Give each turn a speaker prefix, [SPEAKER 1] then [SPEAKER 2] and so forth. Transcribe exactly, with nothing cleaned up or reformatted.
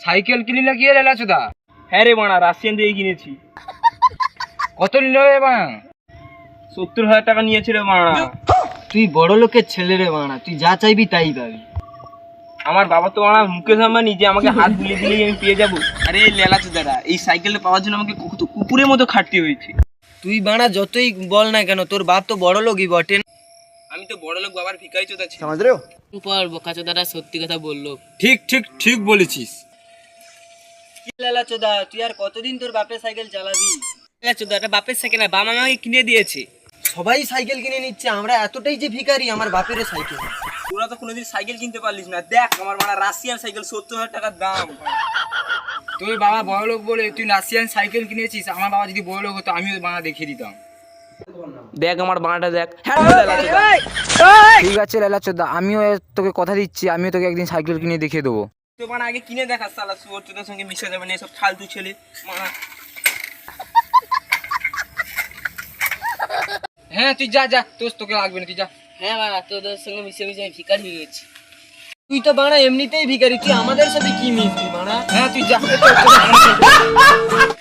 [SPEAKER 1] Cycle কিনলে কি রে লাচুদা?
[SPEAKER 2] হ্যাঁ রে বাড়া, রাশিয়ান দিয়ে কিনেছি।
[SPEAKER 1] কত নিল রে বাড়া?
[SPEAKER 2] সত্তর হাজার টাকা নিয়েছে রে বাড়া।
[SPEAKER 3] তুই বড় লোকের ছেলে রে বাড়া, তুই যা চাইবি তাই পাবি।
[SPEAKER 2] আমার বাবা তো বাড়া মুকেশ আম্বানি, যে আমাকে হাত বুলিয়ে দিলেই আমি পেয়ে যাবো। আরে লেলা চোদারা, এই সাইকেলটা পাওয়ার জন্য আমাকে কত কুকুরের মতো খাটতে হয়েছে।
[SPEAKER 3] তুই বাড়া যতই বল না কেন, তোর বাপ তো বড় লোকই বটে।
[SPEAKER 2] আমি তো বড় লোক বাবার ভিখারি চোদা ছিল।
[SPEAKER 4] পর বোকাচোদারা সত্যি কথা বললো।
[SPEAKER 1] ঠিক ঠিক ঠিক বলেছিস।
[SPEAKER 3] কি লালা চোদা, তুই আর কতদিন তোর বাপের সাইকেল চালাবি?
[SPEAKER 4] চোদাটা বাপের সাইকেল না, বাবা আমাকে কিনে দিয়েছে।
[SPEAKER 3] সবাই সাইকেল কিনে নিচ্ছে, আমরা এতটাই যে ভিখারি, আমার বাপের সাইকেল।
[SPEAKER 2] তোরা তো কোনোদিন সাইকেল কিনতে পারলিস না। দেখ আমার বাড়া রাশিয়ান সাইকেল, সত্তর হাজার টাকার দাম।
[SPEAKER 1] তুই বাবা বড় লোক বলে তুই রাশিয়ান সাইকেল কিনেছিস। আমার বাবা যদি বড় লোক হতো আমিও বাবা দেখিয়ে দিতাম।
[SPEAKER 2] দেখ আমার বাড়াটা দেখ।
[SPEAKER 1] ঠিক আছে লালা চোদা, আমিও তোকে কথা দিচ্ছি, আমিও তোকে একদিন সাইকেল কিনে দেখিয়ে দেবো।
[SPEAKER 2] তো বাড়া আগে কিনে দেখা, সালা সুয়োর চোদার সঙ্গে মিশে যাবে না এসব ফালতু ছেলে মারা।
[SPEAKER 1] হ্যাঁ তুই যা যা, তোর তোকে লাগবে না, তুই যা।
[SPEAKER 4] হ্যাঁ বাবা, তোদের সঙ্গে মিশে মিশে আমি ভিকার হয়ে গেছি।
[SPEAKER 3] তুই তো বাড়া এমনিতেই ভিখারি, তুই আমাদের সাথে কি মিশবি বাড়া?
[SPEAKER 1] হ্যাঁ তুই যা।